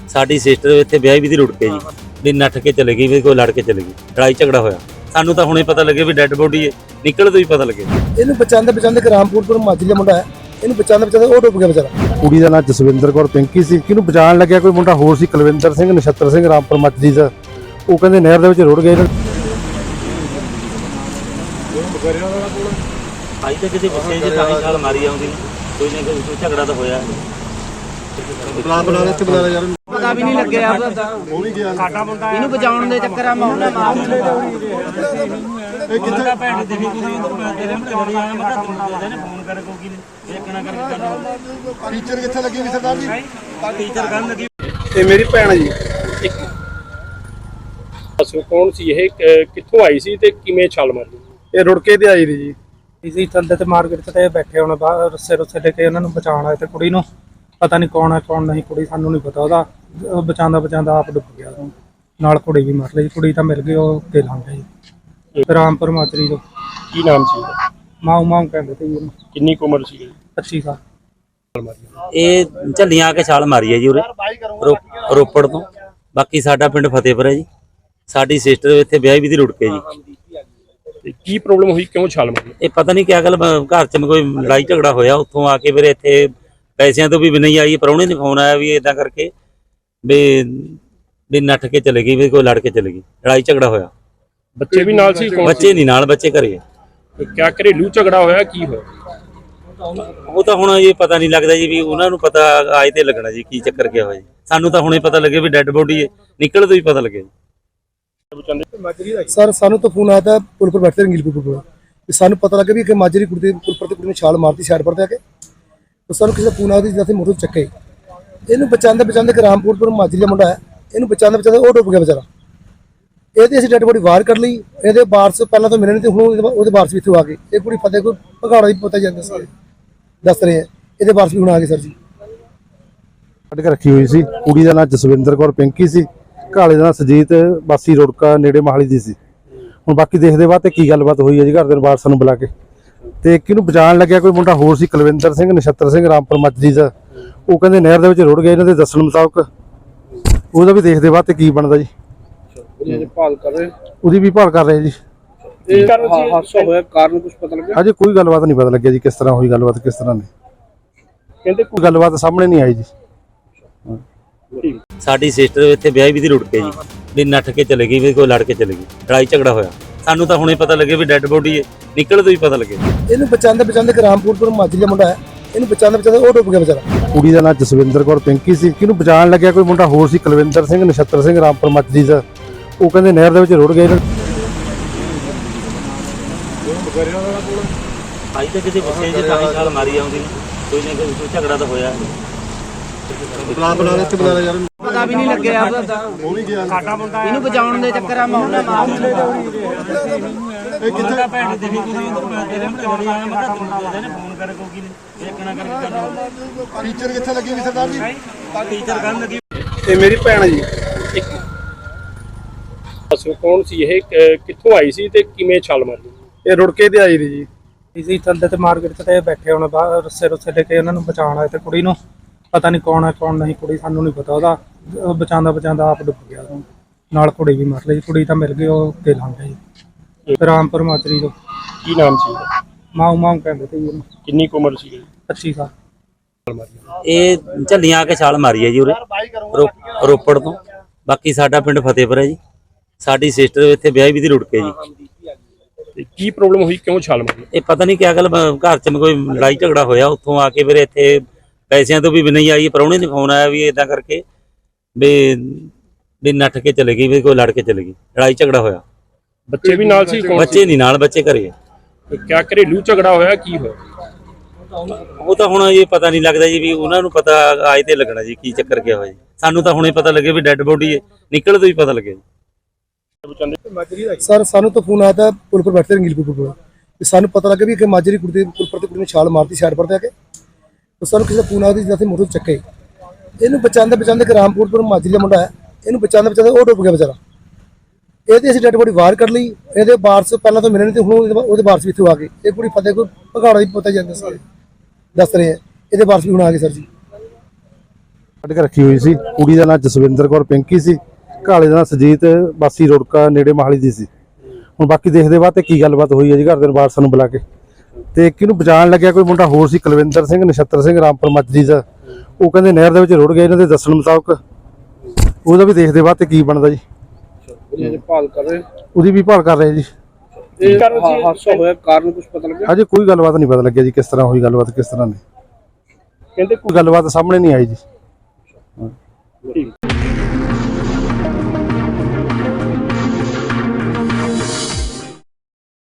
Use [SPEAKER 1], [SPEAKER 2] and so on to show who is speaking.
[SPEAKER 1] ਸਾਡੀ ਸਿਸਟਰ ਇੱਥੇ ਵਿਆਹ ਵੀ ਦੀ ਰੁੜ ਕੇ ਜੀ ਵੀ ਨੱਠ ਕੇ ਚਲੇ ਗਈ ਵੀ ਕੋਈ ਲੜ ਕੇ ਚਲੇ ਗਈ ਲੜਾਈ ਝਗੜਾ ਹੋਇਆ ਸਾਨੂੰ ਤਾਂ ਹੁਣੇ ਪਤਾ ਲੱਗੇ ਵੀ ਡੈੱਡ ਬੋਡੀ ਹੈ ਨਿਕਲ ਤੋਂ ਹੀ ਪਤਾ ਲੱਗੇ
[SPEAKER 2] ਇਹਨੂੰ ਬਚਾਉਂਦੇ ਰਾਮਪੁਰ ਮਾਜਰੀ ਦਾ ਮੁੰਡਾ ਹੈ ਇਹਨੂੰ ਬਚਾਉਂਦੇ ਉਹ ਡੁੱਬ ਗਿਆ ਵਿਚਾਰਾ।
[SPEAKER 3] ਕੁੜੀ ਦਾ ਨਾਂ ਜਸਵਿੰਦਰ ਕੌਰ ਪਿੰਕੀ ਸੀ। ਕਿਹਨੂੰ ਬਚਾਉਣ ਲੱਗਿਆ ਕੋਈ ਮੁੰਡਾ ਹੋਰ ਸੀ ਕੁਲਵਿੰਦਰ ਸਿੰਘ ਨਛੱਤਰ ਸਿੰਘ ਰਾਮਪੁਰ ਮਾਜਰੀ ਦਾ। ਉਹ ਕਹਿੰਦੇ ਨਹਿਰ ਦੇ ਵਿੱਚ ਰੁੜ ਗਏ।
[SPEAKER 1] ਅੱਜ ਤੱਕ ਕਿਤੇ ਬੱਚੇ ਜੇ ਤਾਂ ਛਾਲ ਮਾਰੀ ਆਉਂਦੀ ਕੋਈ ਨਾ ਕੋਈ ਝਗੜਾ ਤਾਂ ਹੋਇਆ
[SPEAKER 2] ਬਣਾ ਦੇ ਬਣਾ ਯਾਰ
[SPEAKER 4] ਪਤਾ ਵੀ ਨਹੀਂ ਲੱਗਿਆ ਉਹ ਵੀ ਗਿਆ ਸਾਡਾ ਮੁੰਡਾ ਇਹਨੂੰ ਬਚਾਉਣ ਦੇ ਚੱਕਰਾਂ ਮੈਂ ਉਹਨੇ ਮਾਰ
[SPEAKER 1] ਇਹ ਕਿੱਥੇ ਭੈਣ ਦੀ ਵੀ ਕੁੜੀ ਨੂੰ ਮੈਂ ਤੇਰੇ ਬੜੀ ਆਇਆ ਮੈਂ ਤਾਂ ਤੈਨੂੰ ਦੇ ਨੇ ਫੋਨ ਕਰ ਕੋਕੀ ਨੇ ਦੇਖਣਾ ਕਰਕੇ
[SPEAKER 2] ਟੀਚਰ ਕਿੱਥੇ ਲੱਗੀ ਵੀ ਸਰਦਾਰ ਜੀ?
[SPEAKER 1] ਟੀਚਰ ਕਰਨ ਲੱਗੀ
[SPEAKER 5] ਤੇ ਮੇਰੀ ਭੈਣ ਜੀ ਦੱਸੋ ਕੌਣ ਸੀ ਇਹ ਕਿੱਥੋਂ ਆਈ ਸੀ ਤੇ ਕਿਵੇਂ ਛਾਲ ਮਾਰੀ?
[SPEAKER 2] ਇਹ ਰੁੜਕੇ ਤੇ ਆਈ ਰਹੀ ਜੀ ਇਸੀ ਥੱਲੇ ਤੇ ਮਾਰਕੀਟ ਤੇ ਬੈਠੇ ਹੁਣ ਬਾਹਰ ਰੱਸੇ ਲੈ ਕੇ ਉਹਨਾਂ ਨੂੰ ਬਚਾਉਣ ਆਏ ਤੇ ਕੁੜੀ ਨੂੰ ਪਤਾ ਨਹੀਂ ਕੌਣ ਹੈ ਕੌਣ ਨਹੀਂ ਕੁੜੀ ਸਾਨੂੰ ਨਹੀਂ ਪਤਾ ਉਹਦਾ ਬਚਾਉਂਦਾ ਆਪ ਡੁੱਬ ਗਿਆ ਨਾਲ ਕੁੜੀ ਵੀ ਮਰ ਲਈ ਕੁੜੀ ਤਾਂ ਮਿਲ ਗਈ ਉਹ ਤੇ ਲੰਘ ਗਈ ਰਾਮਪੁਰ ਮਾਜਰੀ ਤੋਂ।
[SPEAKER 5] ਕੀ ਨਾਮ ਸੀ?
[SPEAKER 2] ਮਾਊ ਕਹਿੰਦੇ ਤੇ ਜੀ ਉਹਨੂੰ।
[SPEAKER 5] ਕਿੰਨੀ ਕੁ ਉਮਰ ਸੀ?
[SPEAKER 2] 25 ਸਾਲ।
[SPEAKER 1] ਇਹ ਝੱਲੀਆਂ ਆ ਕੇ ਛਾਲ ਮਾਰੀ ਹੈ ਜੀ ਉਰੇ ਰੋਪੜ ਤੋਂ। ਬਾਕੀ ਸਾਡਾ ਪਿੰਡ ਫਤਿਹਪੁਰ ਹੈ ਜੀ। ਸਾਡੀ ਸਿਸਟਰ ਇੱਥੇ ਵਿਆਹ ਵੀ ਦੀ ਰੁੜ ਕੇ ਜੀ।
[SPEAKER 5] ਤੇ ਕੀ ਪ੍ਰੋਬਲਮ ਹੋਈ ਕਿਉਂ ਛਾਲ ਮਾਰੀ?
[SPEAKER 1] ਇਹ ਪਤਾ ਨਹੀਂ ਕਿਆ ਗੱਲ ਘਰ ਚ ਕੋਈ ਲੜਾਈ ਝਗੜਾ ਹੋਇਆ ਉੱਥੋਂ ਆ ਕੇ ਫਿਰ ਇੱਥੇ ਪੈਸਿਆਂ ਤੋਂ ਵੀ ਨਹੀਂ ਆਈ ਪ੍ਰਾਹੁਣੇ ਨੇ ਫੋਨ ਆਇਆ ਵੀ ਇਦਾਂ ਕਰਕੇ ਵੀ ਨੱਠ ਕੇ ਚਲੇ ਗਈ ਵੀ ਕੋਈ ਲੜ ਕੇ ਚਲੇ ਗਈ ਲੜਾਈ ਝਗੜਾ ਹੋਇਆ।
[SPEAKER 5] ਬੱਚੇ ਵੀ ਨਾਲ ਸੀ?
[SPEAKER 1] ਬੱਚੇ ਨਹੀਂ ਨਾਲ ਬੱਚੇ ਘਰੇ।
[SPEAKER 5] ਕਿਆ ਘਰੇਲੂ ਝਗੜਾ ਹੋਇਆ ਕੀ ਹੋਇਆ?
[SPEAKER 1] ਉਹ ਤਾਂ ਹੁਣ ਇਹ ਪਤਾ ਨਹੀਂ ਲੱਗਦਾ ਜੀ ਵੀ ਉਹਨਾਂ ਨੂੰ ਪਤਾ ਆਏ ਤੇ ਲੱਗਣਾ ਜੀ ਕੀ ਚੱਕਰ ਕਿਆ ਹੋਇਆ ਜੀ ਸਾਨੂੰ ਤਾਂ ਹੁਣੇ ਪਤਾ ਲੱਗੇ ਵੀ ਡੈੱਡ ਬੋਡੀ ਹੈ ਨਿਕਲ ਤੋਂ ਹੀ ਪਤਾ ਲੱਗੇ।
[SPEAKER 2] ਸਰ ਸਾਨੂੰ ਤਾਂ ਫੋਨ ਆਇਆ था पुल पर बैठते रंगीलपुर पर ਸਾਨੂੰ ਪਤਾ ਲੱਗਾ ਵੀ ਕਿ ਮਾਜਰੀ ਕੁੜੀ ਦੇ ਪੁਲ ਪਰ ਤੇ ਕੁੜੀ ਨੇ ਛਾਲ ਮਾਰਤੀ ਸਾਈਡ ਪਰ ਤੇ ਆ ਕੇ ਤਾਂ ਸਾਨੂੰ ਕਿਸੇ ਦਾ ਫੋਨ ਆਇਆ ਜਿੱਥੇ ਮੋਟਰ ਚੱਕੇ ਇਹਨੂੰ ਬਚਾਉਂਦੇ ਰਾਮਪੁਰ ਮਾਜਰੀ ਦਾ ਮੁੰਡਾ ਹੈ ਇਹਨੂੰ ਬਚਾਉਂਦੇ ਉਹ ਡੁੱਬ ਗਿਆ ਵਿਚਾਰਾ। ਇਹਦੇ ਅਸੀਂ ਡੈਡ ਬੋਡੀ ਬਾਹਰ ਕੱਢ ਲਈ ਇਹਦੇ ਵਾਰਸ ਪਹਿਲਾਂ ਤਾਂ ਮਿਲੇ ਨਹੀਂ ਤੇ ਹੁਣ ਉਹਦੇ ਵਾਰਸ ਵੀ ਇੱਥੇ ਆ ਗਏ। ਇਹ ਕੁੜੀ ਫਤਿਹ ਕੋਈ ਭਗਾੜਾ ਦੀ ਪਤਾ ਜਾਂਦੇ ਸਾਰੇ ਦੱਸ ਰਹੇ ਆ ਇਹਦੇ ਵਾਰਸ ਵੀ ਹੁਣ ਆ ਗਏ ਸਰ ਜੀ।
[SPEAKER 3] ਕੱਢ ਕੇ ਰੱਖੀ ਹੋਈ ਸੀ। ਕੁੜੀ ਦਾ ਨਾਂ ਜਸਵਿੰਦਰ ਕੌਰ ਪਿੰਕੀ ਸੀ। ਘਾਲੇ ਦਾ ਨਾਂ ਸੁਜੀਤ ਬਾਸੀ ਰੁੜਕਾ ਨੇੜੇ ਮਾਹਲੀ ਦੀ ਸੀ। ਹੁਣ ਬਾਕੀ ਦੇਖਦੇ ਬਾਅਦ ਤੇ ਕੀ ਗੱਲਬਾਤ ਹੋਈ ਹੈ ਜੀ ਘਰ ਦੇ ਵਾਰਸਾਂ ਨੂੰ ਬੁਲਾ ਕੇ। ਤੇ ਕਿਹਨੂੰ ਬਚਾਉਣ ਲੱਗਿਆ ਕੋਈ ਮੁੰਡਾ ਹੋਰ ਸੀ ਕੁਲਵਿੰਦਰ ਸਿੰਘ ਨਛੱਤਰ ਸਿੰਘ ਰਾਮਪੁਰ ਮਾਜਰੀ ਦਾ। ਉਹ ਕਹਿੰਦੇ ਨਹਿਰ ਦੇ ਵਿੱਚ ਰੁੜ ਗਏ। ਇਹਨਾਂ ਦੇ ਦੱਸਣ ਮੁਤਾਬਕ ਉਹਦਾ ਵੀ ਦੇਖਦੇ ਬਾਅਦ ਤੇ ਕੀ ਬਣਦਾ ਜੀ।
[SPEAKER 5] ਭਾਲ ਕਰ ਰਹੇ
[SPEAKER 3] ਉਹਦੀ ਵੀ ਭਾਲ ਕਰ ਰਹੇ ਜੀ।
[SPEAKER 5] ਇਹ ਹਾਦਸਾ ਹੋਇਆ ਕਾਰਨ ਕੁਝ ਪਤਾ ਲੱਗਿਆ?
[SPEAKER 3] ਅਜੇ ਕੋਈ ਗੱਲਬਾਤ ਨਹੀਂ ਪਤਾ ਲੱਗਿਆ ਜੀ ਕਿਸ ਤਰ੍ਹਾਂ ਹੋਈ ਗੱਲਬਾਤ ਕਿਸ ਤਰ੍ਹਾਂ ਨਹੀਂ।
[SPEAKER 5] ਕਹਿੰਦੇ
[SPEAKER 3] ਕੋਈ ਗੱਲਬਾਤ ਸਾਹਮਣੇ ਨਹੀਂ ਆਈ ਜੀ।
[SPEAKER 1] ਸਾਡੀ ਸਿਸਟਰ ਇੱਥੇ ਵਿਆਹ ਵੀ ਦੀ ਰੁੜ ਕੇ ਜੀ ਵੀ ਨੱਠ ਕੇ ਚਲੇ ਗਈ ਵੀ ਕੋਈ ਲੜ ਕੇ ਚਲੇ ਗਈ ਲੜਾਈ ਝਗੜਾ ਹੋਇਆ ਸਾਨੂੰ ਤਾਂ ਹੁਣੇ ਪਤਾ ਲੱਗੇ ਵੀ ਡੈੱਡ ਬੋਡੀ ਹੈ ਨਿਕਲ ਤੋਂ ਹੀ ਪਤਾ ਲੱਗੇ।
[SPEAKER 2] ਇਹਨੂੰ ਬਚਾਉਂਦੇ ਰਾਮਪੁਰ ਮਾਜਰੀ ਦਾ ਮੁੰਡਾ ਹੈ ਇਹਨੂੰ ਬਚਾਉਂਦੇ ਉਹ ਡੁੱਬ ਗਿਆ ਵਿਚਾਰਾ।
[SPEAKER 3] ਕੁੜੀ ਦਾ ਨਾਂ ਜਸਵਿੰਦਰ ਕੌਰ ਪਿੰਕੀ ਸੀ। ਕਿਹਨੂੰ ਬਚਾਉਣ ਲੱਗਿਆ ਕੋਈ ਮੁੰਡਾ ਹੋਰ ਸੀ ਕੁਲਵਿੰਦਰ ਸਿੰਘ ਨਛੱਤਰ ਸਿੰਘ ਰਾਮਪੁਰ ਮਾਜਰੀ ਦਾ। ਉਹ ਕਹਿੰਦੇ ਨਹਿਰ ਦੇ ਵਿੱਚ ਰੁੜ ਗਏ।
[SPEAKER 1] ਅੱਜ ਤੱਕ ਕਿਤੇ ਬੱਚੇ ਜੇ ਤਾਂ ਛਾਲ ਮਾਰੀ ਆਉਂਦੀ ਕੋਈ ਨਾ ਕੋਈ ਝਗੜਾ ਤਾਂ ਹੋਇਆ
[SPEAKER 2] ਬਣਾ ਦੇ ਯਾਰ
[SPEAKER 4] ਪਤਾ ਵੀ ਨਹੀਂ ਲੱਗਿਆ ਉਹ ਵੀ ਗਿਆ ਸਾਡਾ ਮੁੰਡਾ ਇਹਨੂੰ ਬਚਾਉਣ ਦੇ ਚੱਕਰਾਂ ਮੈਂ ਉਹਨੇ ਮਾਰ
[SPEAKER 2] ਇਹ ਕਿੱਥੇ
[SPEAKER 1] ਭੈਣ ਦੀ ਵੀ ਕੁੜੀ ਨੂੰ ਮੈਂ ਤੇਰੇ ਬੜੀ ਆਇਆ ਮੈਂ ਤਾਂ ਤੈਨੂੰ ਦੇ ਨੇ ਫੋਨ ਕਰ ਕੋਕੀ ਨੇ ਦੇਖਣਾ ਕਰਕੇ
[SPEAKER 2] ਟੀਚਰ ਕਿੱਥੇ ਲੱਗੀ ਵੀ ਸਰਦਾਰ ਜੀ?
[SPEAKER 1] ਟੀਚਰ ਕਰਨ ਲੱਗੀ।
[SPEAKER 5] ਤੇ ਮੇਰੀ ਭੈਣ ਜੀ ਦੱਸੋ ਕੌਣ ਸੀ ਇਹ ਕਿੱਥੋਂ ਆਈ ਸੀ ਤੇ ਕਿਵੇਂ ਛਾਲ ਮਾਰੀ?
[SPEAKER 2] ਇਹ ਰੁੜਕੇ ਤੇ ਆਈ ਰਹੀ ਜੀ ਇਸੀ ਥੱਲੇ ਤੇ ਮਾਰਕੀਟ ਤੇ ਬੈਠੇ ਹੁਣ ਬਾਹਰ ਰੱਸੇ ਲੈ ਕੇ ਉਹਨਾਂ ਨੂੰ ਬਚਾਉਣ ਆਏ ਤੇ ਕੁੜੀ ਨੂੰ ਪਤਾ ਨਹੀਂ ਕੌਣ ਹੈ ਕੌਣ ਨਹੀਂ ਕੁੜੀ ਸਾਨੂੰ ਨਹੀਂ ਪਤਾ ਉਹਦਾ ਬਚਾਉਂਦਾ ਆਪ ਡੁੱਬ ਗਿਆ ਨਾਲ ਕੁੜੀ ਵੀ ਮਰ ਲਈ ਕੁੜੀ ਤਾਂ ਮਿਲ ਗਈ ਉਹ ਤੇ ਲੰਘ ਗਈ ਰਾਮਪੁਰ ਮਾਜਰੀ ਤੋਂ।
[SPEAKER 5] ਕੀ ਨਾਮ ਸੀ?
[SPEAKER 2] ਮਾਊ ਕਹਿੰਦੇ ਤੇ ਜੀ ਉਹਨੂੰ।
[SPEAKER 5] ਕਿੰਨੀ ਕੁ ਉਮਰ ਸੀ?
[SPEAKER 2] 25 ਸਾਲ।
[SPEAKER 1] ਇਹ ਝੱਲੀਆਂ ਆ ਕੇ ਛਾਲ ਮਾਰੀ ਹੈ ਜੀ ਉਰੇ ਰੋਪੜ ਤੋਂ। ਬਾਕੀ ਸਾਡਾ ਪਿੰਡ ਫਤਿਹਪੁਰ ਹੈ ਜੀ। ਸਾਡੀ ਸਿਸਟਰ ਇੱਥੇ ਵਿਆਹ ਵੀ ਦੀ ਰੁੜ ਕੇ ਜੀ।
[SPEAKER 5] ਤੇ ਕੀ ਪ੍ਰੋਬਲਮ ਹੋਈ ਕਿਉਂ ਛਾਲ ਮਾਰੀ?
[SPEAKER 1] ਇਹ ਪਤਾ ਨਹੀਂ ਕਿਆ ਗੱਲ ਘਰ ਚ ਕੋਈ ਲੜਾਈ ਝਗੜਾ ਹੋਇਆ ਉੱਥੋਂ ਆ ਕੇ ਫਿਰ ਇੱਥੇ ਪੈਸਿਆਂ ਤੋਂ ਵੀ ਨਹੀਂ ਆਈ ਪ੍ਰਾਹੁਣੇ ਨੇ ਫੋਨ ਆਇਆ ਵੀ ਇਦਾਂ ਕਰਕੇ ਵੀ ਨੱਠ ਕੇ ਚਲੇ ਗਈ ਵੀ ਕੋਈ ਲੜ ਕੇ ਚਲੇ ਗਈ ਲੜਾਈ ਝਗੜਾ ਹੋਇਆ।
[SPEAKER 5] ਬੱਚੇ ਵੀ ਨਾਲ ਸੀ?
[SPEAKER 1] ਬੱਚੇ ਨਹੀਂ ਨਾਲ ਬੱਚੇ ਘਰੇ।
[SPEAKER 5] ਕਿਆ ਘਰੇਲੂ ਝਗੜਾ ਹੋਇਆ ਕੀ ਹੋਇਆ?
[SPEAKER 1] ਉਹ ਤਾਂ ਹੁਣ ਇਹ ਪਤਾ ਨਹੀਂ ਲੱਗਦਾ ਜੀ ਵੀ ਉਹਨਾਂ ਨੂੰ ਪਤਾ ਆਏ ਤੇ ਲੱਗਣਾ ਜੀ ਕੀ ਚੱਕਰ ਕਿਆ ਹੋਇਆ ਜੀ ਸਾਨੂੰ ਤਾਂ ਹੁਣੇ ਪਤਾ ਲੱਗੇ ਵੀ ਡੈੱਡ ਬੋਡੀ ਹੈ ਨਿਕਲ ਤੋਂ ਹੀ ਪਤਾ ਲੱਗੇ।
[SPEAKER 2] ਸਰ ਸਾਨੂੰ ਤਾਂ ਫੋਨ ਆਇਆ था पुल पर बैठते रंगीलपुर पर ਸਾਨੂੰ ਪਤਾ ਲੱਗਾ ਵੀ ਕਿ ਮਾਜਰੀ ਕੁੜੀ ਦੇ ਪੁਲ ਪਰ ਤੇ ਕੁੜੀ ਨੇ ਛਾਲ ਮਾਰਤੀ ਸਾਈਡ ਪਰ ਤੇ ਆ ਕੇ ਤਾਂ ਸਾਨੂੰ ਕਿਸੇ ਦਾ ਫੋਨ ਆਇਆ ਜਿੱਥੇ ਮੋਟਰ ਚੱਕੇ ਇਹਨੂੰ ਬਚਾਉਂਦੇ ਰਾਮਪੁਰ ਮਾਜਰੀ ਦਾ ਮੁੰਡਾ ਹੈ ਇਹਨੂੰ ਬਚਾਉਂਦੇ ਉਹ ਡੁੱਬ ਗਿਆ ਵਿਚਾਰਾ। ਇਹਦੇ ਅਸੀਂ ਡੈਡ ਬੋਡੀ ਬਾਹਰ ਕੱਢ ਲਈ ਇਹਦੇ ਵਾਰਸ ਪਹਿਲਾਂ ਤਾਂ ਮਿਲੇ ਨਹੀਂ ਤੇ ਹੁਣ ਉਹਦੇ ਵਾਰਸ ਵੀ ਇੱਥੇ ਆ ਗਏ। ਇਹ ਕੁੜੀ ਫਤਿਹ ਕੋਈ ਭਗਾੜਾ ਦੀ ਪਤਾ ਜਾਂਦੇ ਸਾਰੇ ਦੱਸ ਰਹੇ ਆ ਇਹਦੇ ਵਾਰਸ ਵੀ ਹੁਣ ਆ ਗਏ ਸਰ ਜੀ।
[SPEAKER 3] ਕੱਢ ਕੇ ਰੱਖੀ ਹੋਈ ਸੀ। ਕੁੜੀ ਦਾ ਨਾਂ ਜਸਵਿੰਦਰ ਕੌਰ ਪਿੰਕੀ ਸੀ, ਘਾਲੇ ਦਾ ਨਾਂ ਸੁਜੀਤ ਵਾਸੀ ਰੁੜਕਾ ਨੇੜੇ ਮਾਹਲੀ ਦੀ ਸੀ। ਹੁਣ ਬਾਕੀ ਦੇਖਦੇ ਬਾਅਦ ਤੇ ਕੀ ਗੱਲਬਾਤ ਹੋਈ ਹੈ ਜੀ ਘਰ ਦੇ ਵਾਰਸਾਂ ਨੂੰ ਬੁਲਾ ਕੇ। ਤੇ ਕਿਹਨੂੰ ਬਚਾਉਣ ਲੱਗਿਆ ਕੋਈ ਮੁੰਡਾ ਹੋਰ ਸੀ ਕੁਲਵਿੰਦਰ ਸਿੰਘ, ਨਛੱਤਰ ਸਿੰਘ, ਰਾਮਪੁਰ ਮੱਜਰੀ ਦਾ, ਉਹ ਕਹਿੰਦੇ ਨਹਿਰ ਦੇ ਵਿੱਚ ਰੁੜ ਗਏ ਇਹਨਾਂ ਦੇ ਦੱਸਣ ਮੁਤਾਬਕ। ਉਹਦਾ ਵੀ ਦੇਖਦੇ ਬਾਅਦ ਤੇ ਕੀ ਬਣਦਾ ਜੀ,
[SPEAKER 5] ਭਾਲ ਕਰ ਰਹੇ
[SPEAKER 3] ਉਹਦੀ ਵੀ ਭਾਲ ਕਰ ਰਹੇ ਜੀ।
[SPEAKER 5] ਇਹ ਹਾਦਸਾ ਹੋਇਆ ਕਾਰਨ ਕੁਝ ਪਤਾ ਲੱਗਿਆ?
[SPEAKER 3] ਅਜੇ ਕੋਈ ਗੱਲਬਾਤ ਨਹੀਂ ਪਤਾ ਲੱਗਿਆ ਜੀ, ਕਿਸ ਤਰ੍ਹਾਂ ਹੋਈ ਗੱਲਬਾਤ, ਕਿਸ ਤਰ੍ਹਾਂ ਨਹੀਂ,
[SPEAKER 5] ਕਹਿੰਦੇ
[SPEAKER 3] ਕੋਈ ਗੱਲਬਾਤ ਸਾਹਮਣੇ ਨਹੀਂ ਆਈ ਜੀ।
[SPEAKER 5] ਠੀਕ